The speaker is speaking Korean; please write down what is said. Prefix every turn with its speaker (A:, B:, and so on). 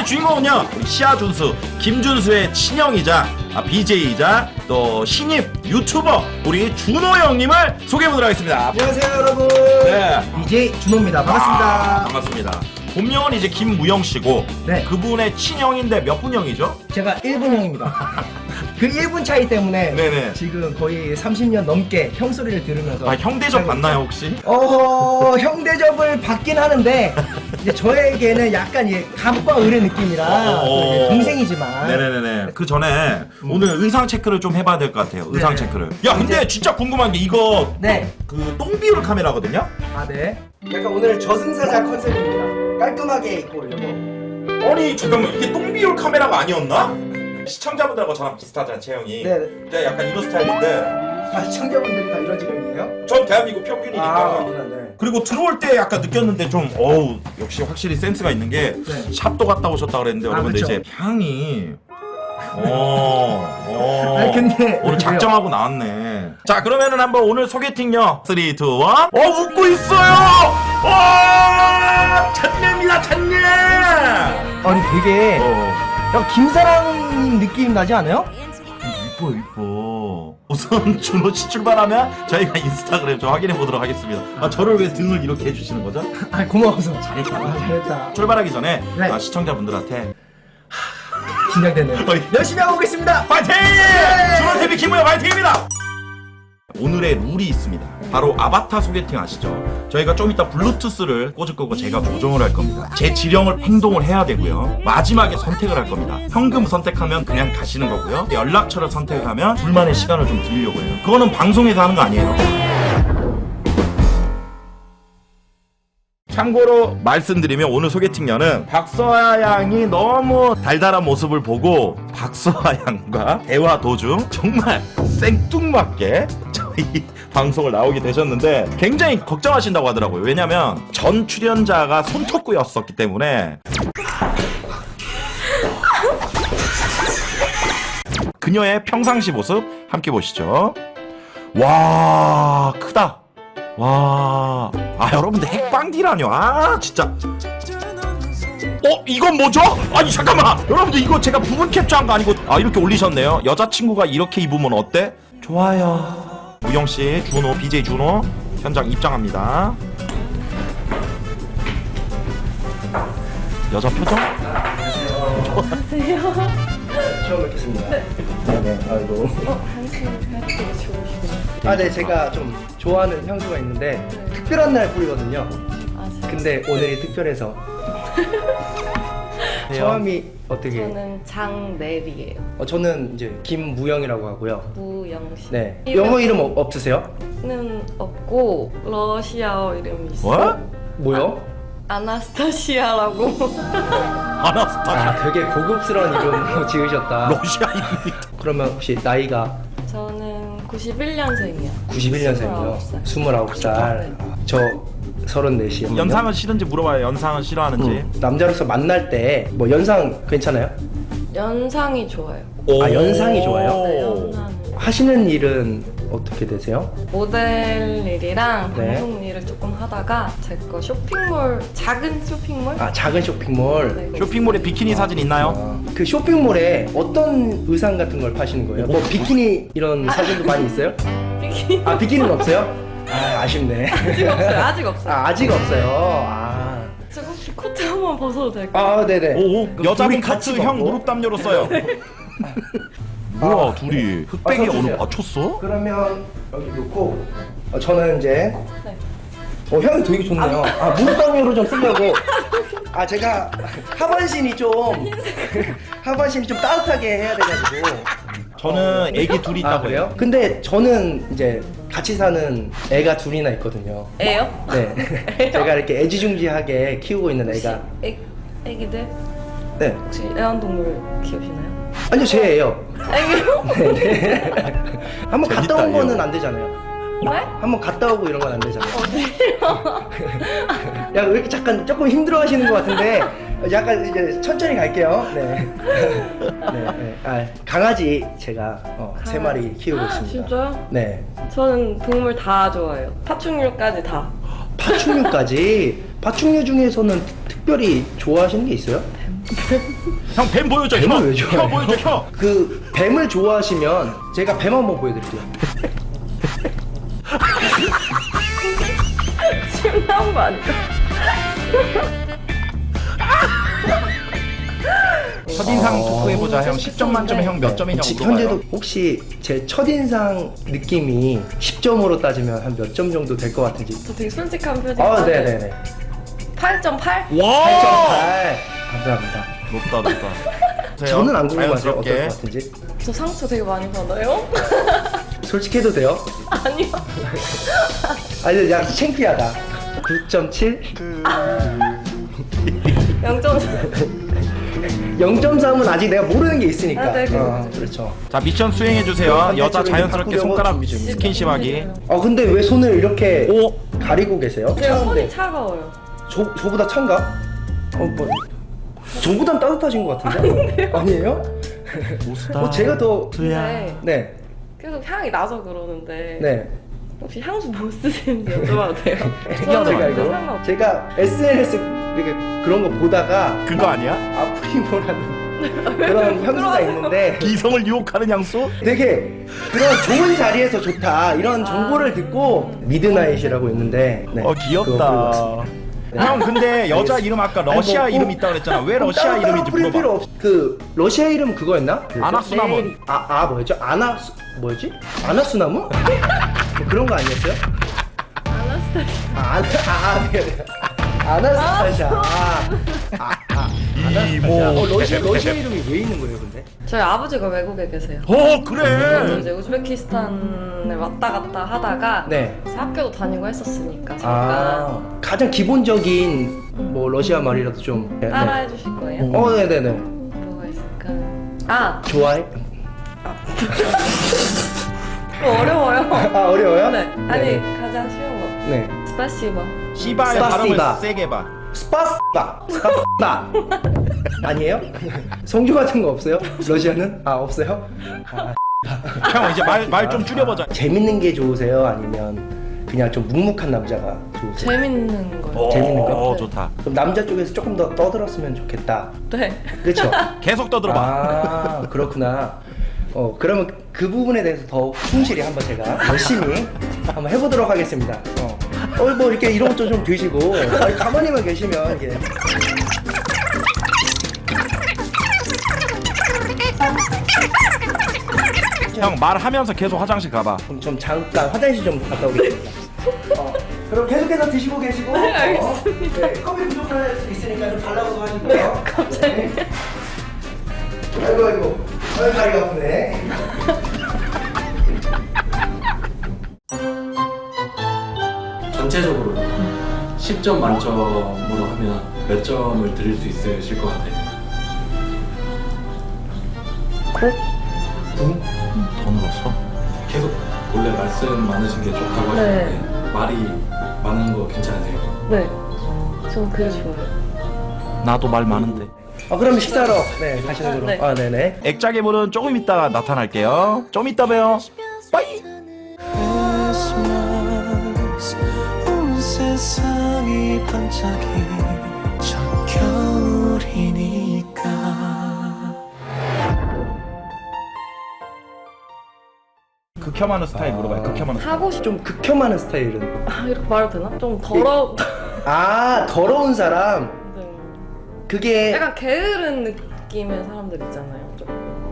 A: 주인공은요 우리 시아준수 김준수의 친형이자 BJ이자 또 신입 유튜버 우리 준호 형님을 소개해보도록 하겠습니다.
B: 안녕하세요 여러분.
A: 네.
B: BJ 준호입니다. 반갑습니다.
A: 반갑습니다. 본명은 이제 김무영 씨고
B: 네.
A: 그분의 친형인데 몇 분 형이죠?
B: 제가 1분 형입니다. 그 1분 차이 때문에
A: 네네.
B: 지금 거의 30년 넘게 형 소리를 들으면서
A: 형 대접 받나요 혹시?
B: 형 대접을 받긴 하는데 이제 저에게는 약간 감과 을의 느낌이라 또 이제 동생이지만
A: 네네네네. 그 전에 오늘 의상 체크를 좀 해봐야 될 것 같아요. 의상
B: 네네.
A: 체크를. 야 근데 진짜 궁금한 게 이거
B: 네.
A: 그 똥비율 카메라거든요?
B: 네. 약간 오늘 저승사자 컨셉입니다. 깔끔하게 입고 오려고.
A: 아니 잠깐만 이게 똥비율 카메라가 아니었나? 시청자분들하고 저랑 비슷하잖아요 체형이.
B: 네.
A: 제가 약간 이런 스타일인데
B: 시청자분들이 다 이런 지경이에요?
A: 전 대한민국 평균이니까.
B: 네.
A: 그리고 들어올 때 약간 느꼈는데 좀 어우 역시 확실히 센스가 있는 게
B: 네.
A: 샵도 갔다 오셨다 그랬는데 여러분들
B: 그쵸.
A: 이제 향이
B: 아니, 근데
A: 오늘 작정하고 나왔네. 자 그러면은 한번 오늘 소개팅요 3, 2, 1 웃고 있어요. 찬내입니다 찬내.
B: 아니 되게 약간 김사랑님 느낌 나지 않아요?
A: 이뻐 이뻐. 우선 준호 씨 출발하면 저희가 인스타그램 좀 확인해 보도록 하겠습니다. 저를 왜 등을 이렇게 해주시는 거죠?
B: 아 고마워서 잘했다. 잘했다.
A: 출발하기 전에
B: 네.
A: 시청자분들한테
B: 긴장되네요. 열심히 하고 오겠습니다.
A: 파이팅! 준호 TV 김무영 파이팅입니다. 오늘의 룰이 있습니다. 바로 아바타 소개팅 아시죠? 저희가 좀 이따 블루투스를 꽂을 거고 제가 조정을 할 겁니다. 제 지령을 행동을 해야 되고요. 마지막에 선택을 할 겁니다. 현금 선택하면 그냥 가시는 거고요. 연락처를 선택하면 둘만의 시간을 좀 드리려고 해요. 그거는 방송에서 하는 거 아니에요. 참고로 말씀드리면 오늘 소개팅녀는 박서아 양이 너무 달달한 모습을 보고 박서아 양과 대화 도중 정말 생뚱맞게 저희 방송을 나오게 되셨는데 굉장히 걱정하신다고 하더라고요. 왜냐면 전 출연자가 손톱구였었기 때문에 그녀의 평상시 모습 함께 보시죠. 와 크다. 와, 여러분들 핵방디라뇨. 진짜. 이건 뭐죠? 아니 잠깐만. 여러분들 이거 제가 부분 캡처한 거 아니고 이렇게 올리셨네요. 여자친구가 이렇게 입으면 어때? 좋아요. 무영 씨, 준호, BJ 준호 현장 입장합니다. 여자 표정?
B: 안녕하세요. 처음 뵙겠습니다. 네. 아이고.
C: 당신 되게 좋으시군요.
B: 네, 제가 좀 좋아하는 향수가 있는데 특별한 날 뿌리거든요.
C: 진짜?
B: 근데 오늘이 특별해서. 성함이 어떻게?
C: 저는 장내리예요.
B: 저는 이제 김무영이라고 하고요.
C: 무영씨.
B: 네. 영어 이름 없으세요?
C: 는 없고 러시아어 이름이 있어요.
A: 뭐?
B: 뭐요?
C: 아나스타시아라고.
A: 아나스타샤.
B: 되게 고급스러운 이름 지으셨다.
A: 러시아인입니다.
B: 그러면 혹시 나이가?
C: 저는 91년생이요.
B: 91년생이요. 29살.
C: 네.
B: 저 34이요.
A: 연상은 싫은지 물어봐요. 연상은 싫어하는지.
B: 남자로서 만날 때 뭐 연상 괜찮아요?
C: 연상이 좋아요.
B: 연상이 좋아요?
C: 네, 연상.
B: 하시는 일은 어떻게 되세요?
C: 모델 일이랑
B: 네.
C: 방송 일을 조금 하다가 제 거 쇼핑몰, 작은 쇼핑몰?
B: 작은 쇼핑몰.
C: 네,
A: 쇼핑몰에 비키니 사진 있나요?
B: 그 쇼핑몰에 어떤 의상 같은 걸 파시는 거예요? 뭐 비키니 이런 사진도 많이 있어요?
C: 비키니
B: 비키니는 없어요? 아쉽네.
C: 아직 없어요. 아직 없어요.
B: 아직 없어요.
C: 저 혹시 코트 한번 벗어도 될까요?
B: 네네.
A: 여자분
B: 둘이 같이
A: 커트 형
B: 먹고?
A: 무릎 담요로 써요. 뭐야 둘이 흑백이
B: 서주세요.
A: 어느 맞췄어?
B: 그러면 여기 놓고 저는 이제
C: 네.
B: 향이 되게 좋네요. 무릎당으로 좀 쓰려고. 제가 하반신이 좀 따뜻하게 해야 돼가지고.
A: 저는 애기 둘이 있다고
B: 그래요?
A: 해요.
B: 근데 저는 이제 같이 사는 애가 둘이나 있거든요.
C: 애요?
B: 네. 제가 이렇게 애지중지하게 키우고 있는 애가.
C: 애기들?
B: 네.
C: 혹시 애완동물 키우시나요?
B: 아니요, 제 애요.
C: 애기요?
B: 네. 한번 갔다 온
A: 재밌다,
B: 거는
A: 이거.
B: 안 되잖아요.
C: 왜?
B: 한번 갔다 오고 이런 건 안 되잖아요.
C: 어디요?
B: 야, 왜 이렇게 잠깐 조금 힘들어 하시는 것 같은데 약간 이제 천천히 갈게요. 네. 강아지 제가 3마리 키우고 있습니다.
C: 진짜요?
B: 네.
C: 저는 동물 다 좋아해요. 파충류까지 다.
B: 파충류까지. 파충류 중에서는 특별히 좋아하시는 게 있어요?
A: 형 뱀 보여줘.
B: 뱀을
A: 혀.
B: 왜 좋아해요?
A: 혀 보여줘. 혀.
B: 그 뱀을 좋아하시면 제가 뱀 한번 보여드릴게요.
C: 심한 거 아니야?
A: 첫인상 토크 해보자. 형 10점 만점에 형 몇 점이냐고 물어봐요.
B: 현재도 혹시 제 첫인상 느낌이 10점으로 따지면 한 몇 점 정도 될 것 같은지.
C: 저 되게 솔직한 표정.
B: 네네네.
C: 8.8?
A: 와.
B: 8.8. 감사합니다.
A: 높다.
B: 저는 안 궁금하세요?
A: 자연스럽게.
B: 어떨 것 같은지?
C: 저 상처 되게 많이 받아요?
B: 솔직해도 돼요?
C: 아니요.
B: 아니, 야, 창피하다. 9.7?
C: 0.4.
B: 0.3은 아직 내가 모르는 게 있으니까.
C: 아, 네, 그렇죠.
B: 그렇죠.
A: 자 미션 수행해 주세요. 여자 자연스럽게
B: 바꾸려고
A: 손가락
B: 준비 중입니다.
A: 스킨십하기.
B: 근데 왜 손을 이렇게
A: 오.
B: 가리고 계세요?
C: 제가
B: 차가운데.
C: 손이 차가워요.
B: 저보다 찬가? 뭐 저보단 따뜻하신 것 같은데? 아니에요? 제가 더
C: 네.
B: 네.
C: 계속 향이 나서 그러는데
B: 네.
C: 혹시 향수 뭐 쓰시는지 여쭤봐도 돼요?
A: 특이하다,
C: 저는
A: 이거.
C: 상관없어요.
B: 제가 SNS 이렇게 그런 거 보다가
A: 그거 아니야?
B: 아프리모라는 그런 향수가 있는데
A: 이성을 유혹하는 향수?
B: 되게 그런 좋은 자리에서 좋다 이런 정보를 듣고 미드나잇이라고 있는데 네, 그거 보고
A: 귀엽다.
B: 왔습니다. 네.
A: 형 근데 여자
B: 알겠습니다.
A: 이름 아까 러시아
B: 아니, 뭐
A: 이름 있다고 그랬잖아. 왜 러시아
B: 따로
A: 이름인지
B: 뿌릴 필요
A: 물어봐.
B: 없. 그 러시아 이름 그거였나?
A: 아나수나무.
B: 뭐였죠? 뭐였지? 아나수나무? 뭐 그런 거 아니었어요?
C: 아나스타시아.
B: 아나스타샤.
A: 이모.
B: 러시아 이름이 왜 있는 거예요, 근데?
C: 저희 아버지가 외국에 계세요.
A: 어
C: 저도
A: 그래.
C: 이제 우즈베키스탄에 왔다 갔다 하다가
B: 네.
C: 그래서 학교도 다니고 했었으니까 잠깐
B: 가장 기본적인 뭐 러시아 말이라도 좀 네.
C: 따라해 주실 거예요?
B: 네네네.
C: 뭐가 있을까? 아!
B: 좋아해?
C: 그거 어려워요.
B: 아 어려워요?
C: 네. 아니
B: 네네.
C: 가장 쉬운 거.
B: 네.
C: 스파시바.
A: 시바의
B: 스파시바.
A: 발음을 세게 봐.
B: 스파스바. 아니에요? 성주 같은 거 없어요? 러시아는? 없어요?
A: 형 이제 말 좀 줄여보자.
B: 재밌는 게 좋으세요? 아니면 그냥 좀 묵묵한 남자가 좋으세요?
C: 재밌는 거.
B: 재밌는 거?
A: 어 좋다.
B: 그럼 남자 쪽에서 조금 더 떠들었으면 좋겠다.
C: 네.
B: 그렇죠?
A: 계속 떠들어봐.
B: 그렇구나. 그러면 그 부분에 대해서 더 충실히 한번 제가 열심히 한번 해보도록 하겠습니다. 뭐 이렇게 이런 것도 좀 드시고 아니, 가만히만 계시면 이게
A: 형 말하면서 계속 화장실 가봐.
B: 좀 잠깐 화장실 좀 갔다 오겠습니다. 그럼 계속해서 드시고 계시고 알겠습니다. 네, 컵이 부족할 수 있으니까 좀 달라고도 하시고요. 네,
C: 갑자기.
B: 아이고 다리가 아프네.
D: 전체적으로 10점 만점으로 하면 몇 점을 드릴 수 있으실 것 같아요?
A: 더 늘었어?
D: 계속 원래 말씀 많으신 게 좋다고 하셨는데 말이 많은 거 괜찮으세요?
C: 네. 저는 그게 좋아요.
A: 나도 말 많은데.
B: 그럼 식사하러 가시는 걸로.
C: 네.
B: 네네.
A: 액자괴물은 조금 이따 나타날게요. 좀 이따 봬요. 빠이.
E: 온 세상이 반짝이 저 겨울이니까
A: 극혐하는 스타일 물어봐요. 극혐하는 스타일.
C: 하고 싶.
B: 좀 극혐하는 스타일은
C: 이렇게 말해도 되나? 좀 더러.
B: 더러운 사람
C: 네.
B: 그게
C: 약간 게으른 느낌의 사람들 있잖아요. 좀.